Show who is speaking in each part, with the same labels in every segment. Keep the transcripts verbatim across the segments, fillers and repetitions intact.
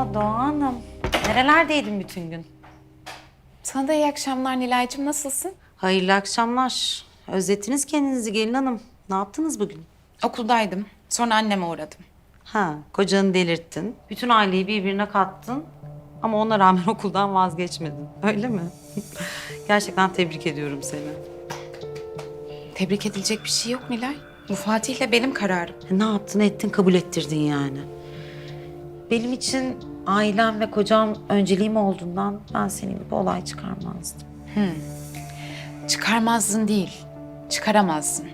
Speaker 1: Oo Doğa Hanım. Nerelerdeydin bütün gün?
Speaker 2: Sana da iyi akşamlar Nilay'cığım. Nasılsın?
Speaker 1: Hayırlı akşamlar. Özlettiniz kendinizi gelin hanım. Ne yaptınız bugün?
Speaker 2: Okuldaydım. Sonra anneme uğradım.
Speaker 1: Ha, kocanı delirttin. Bütün aileyi birbirine kattın. Ama ona rağmen okuldan vazgeçmedin. Öyle mi? Gerçekten tebrik ediyorum seni.
Speaker 2: Tebrik edilecek bir şey yok Nilay. Bu Fatih'le benim kararım.
Speaker 1: E, ne yaptın ettin kabul ettirdin yani. Benim için ailem ve kocam önceliğim olduğundan ben senin gibi olay çıkarmazdım.
Speaker 2: Çıkarmazdın değil, çıkaramazdın.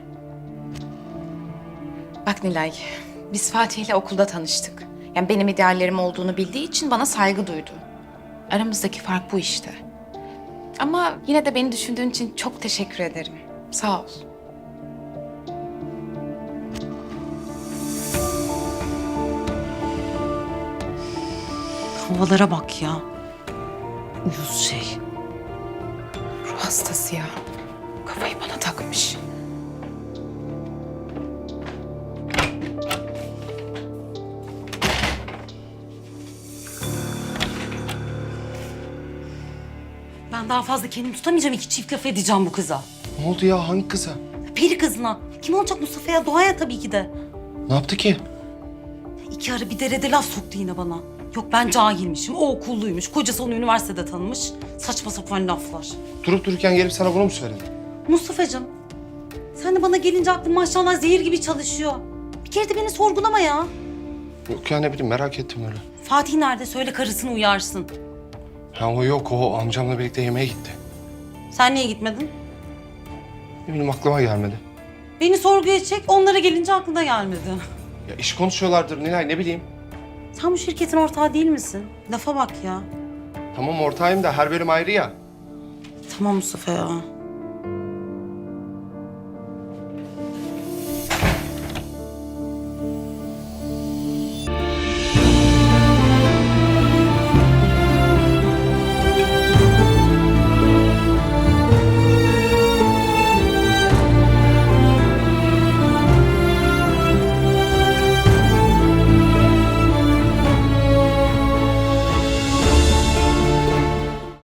Speaker 2: Bak Nilay, biz Fatih'le okulda tanıştık. Yani benim ideallerim olduğunu bildiği için bana saygı duydu. Aramızdaki fark bu işte. Ama yine de beni düşündüğün için çok teşekkür ederim. Sağ ol.
Speaker 1: Havalara bak ya. Uyuz şey.
Speaker 2: Ruh hastası ya. Kafayı bana takmış.
Speaker 1: Ben daha fazla kendimi tutamayacağım. İki çift laf edeceğim bu kıza.
Speaker 3: Ne oldu ya? Hangi kıza?
Speaker 1: Peri kızına. Kim olacak Mustafa'ya? Doğa'ya tabii ki de.
Speaker 3: Ne yaptı ki?
Speaker 1: İki ara bir derede laf soktu yine bana. Yok ben cahilmişim, o okulluymuş, kocası onu üniversitede tanımış. Saçma sapan laflar.
Speaker 3: Durup dururken gelip sana bunu mu söyledi?
Speaker 1: Mustafa'cığım, sen de bana gelince aklın maşallah zehir gibi çalışıyor. Bir kere de beni sorgulama ya.
Speaker 3: Yok ya ne bileyim merak ettim öyle.
Speaker 1: Fatih nerede? Söyle karısını uyarsın.
Speaker 3: Ha o yok o amcamla birlikte yemeğe gitti.
Speaker 1: Sen niye gitmedin?
Speaker 3: Ne bileyim aklıma gelmedi.
Speaker 1: Beni sorguya çek, onlara gelince aklına gelmedi.
Speaker 3: Ya iş konuşuyorlardır Nilay ne bileyim.
Speaker 1: Sen bu şirketin ortağı değil misin? Lafa bak ya.
Speaker 3: Tamam ortağıyım da her bölüm ayrı ya.
Speaker 1: Tamam Mustafa ya.